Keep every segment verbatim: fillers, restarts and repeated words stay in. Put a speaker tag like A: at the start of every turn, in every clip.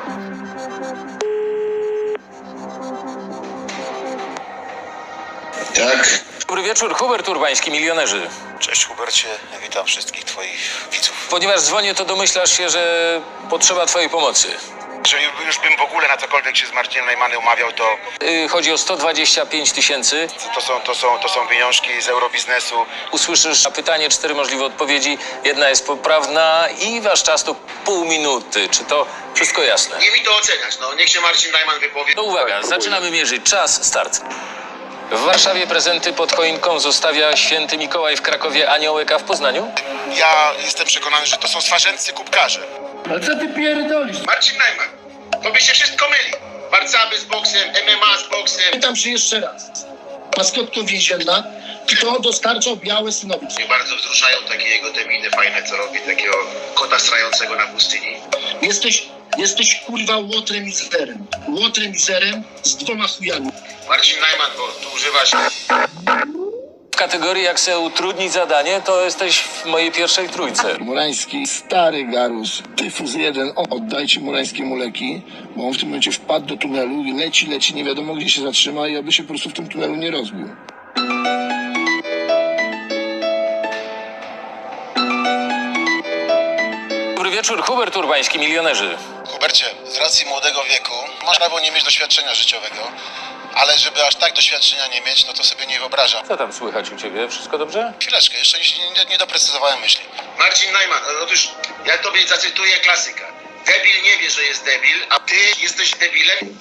A: Tak.
B: Dobry wieczór, Hubert Urbański, Milionerzy.
C: Cześć Hubercie, witam wszystkich twoich widzów.
B: Ponieważ dzwonię, to domyślasz się, że potrzeba twojej pomocy.
C: Jeżeli już bym w ogóle na cokolwiek się z Marcinem Najmanem umawiał, to
B: Yy, chodzi o sto dwadzieścia pięć tysięcy.
C: to są, to, są, to są pieniążki z eurobiznesu.
B: Usłyszysz na pytanie, cztery możliwe odpowiedzi. Jedna jest poprawna i wasz czas to pół minuty. Czy to wszystko jasne?
A: Nie mi to oceniać, no niech się Marcin Najman wypowie.
B: To uwaga, zaczynamy mierzyć. Czas, start. W Warszawie prezenty pod choinką zostawia święty Mikołaj, w Krakowie aniołek, a w Poznaniu?
C: Ja jestem przekonany, że to są swarzędcy kubkarze.
D: Ale co ty pierdolisz?
A: Marcin Najman, tobie się wszystko myli. Warcaby z boksem, M M A z boksem.
D: Pytam się jeszcze raz. Maskotką więzienna, kto dostarczał białe synowi?
A: Mnie bardzo wzruszają takie jego te miny fajne, co robi, takiego kota strającego na pustyni.
D: Jesteś, jesteś kurwa łotrem i zerem. Łotrem i zerem z dwoma chujami.
A: Marcin Najman, bo tu używasz...
B: W kategorii jak sobie utrudnić zadanie, to jesteś w mojej pierwszej trójce.
E: Murański, stary garus, tyfus jeden, o, oddajcie Murańskiemu leki, bo on w tym momencie wpadł do tunelu i leci, leci, nie wiadomo gdzie się zatrzyma i aby się po prostu w tym tunelu nie rozbił.
B: Dobry wieczór, Hubert Urbański, Milionerzy.
C: Hubercie, z racji młodego wieku masz prawo nie mieć doświadczenia życiowego, ale żeby aż tak doświadczenia nie mieć, no to sobie nie wyobrażam.
B: Co tam słychać u ciebie? Wszystko dobrze?
C: Chwileczkę, jeszcze nie, nie, nie doprecyzowałem myśli.
A: Marcin Najman, otóż ja tobie zacytuję klasyka. Debil nie wie, że jest debil, a ty jesteś debilem.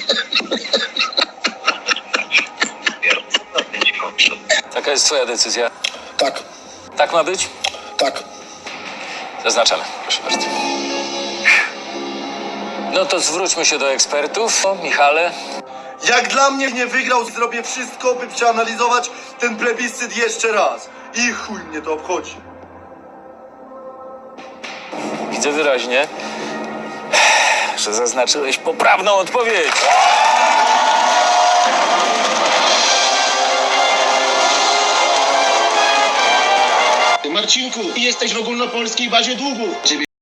B: Taka jest twoja decyzja.
E: Tak,
B: Tak ma być?
E: tak.
B: Zaznaczamy. Proszę bardzo. No to zwróćmy się do ekspertów. O, Michale.
F: Jak dla mnie nie wygrał, zrobię wszystko, by przeanalizować ten plebiscyt jeszcze raz. I chuj mnie to obchodzi.
B: Widzę wyraźnie, że zaznaczyłeś poprawną odpowiedź.
D: Marcinku, jesteś w ogólnopolskiej bazie długów.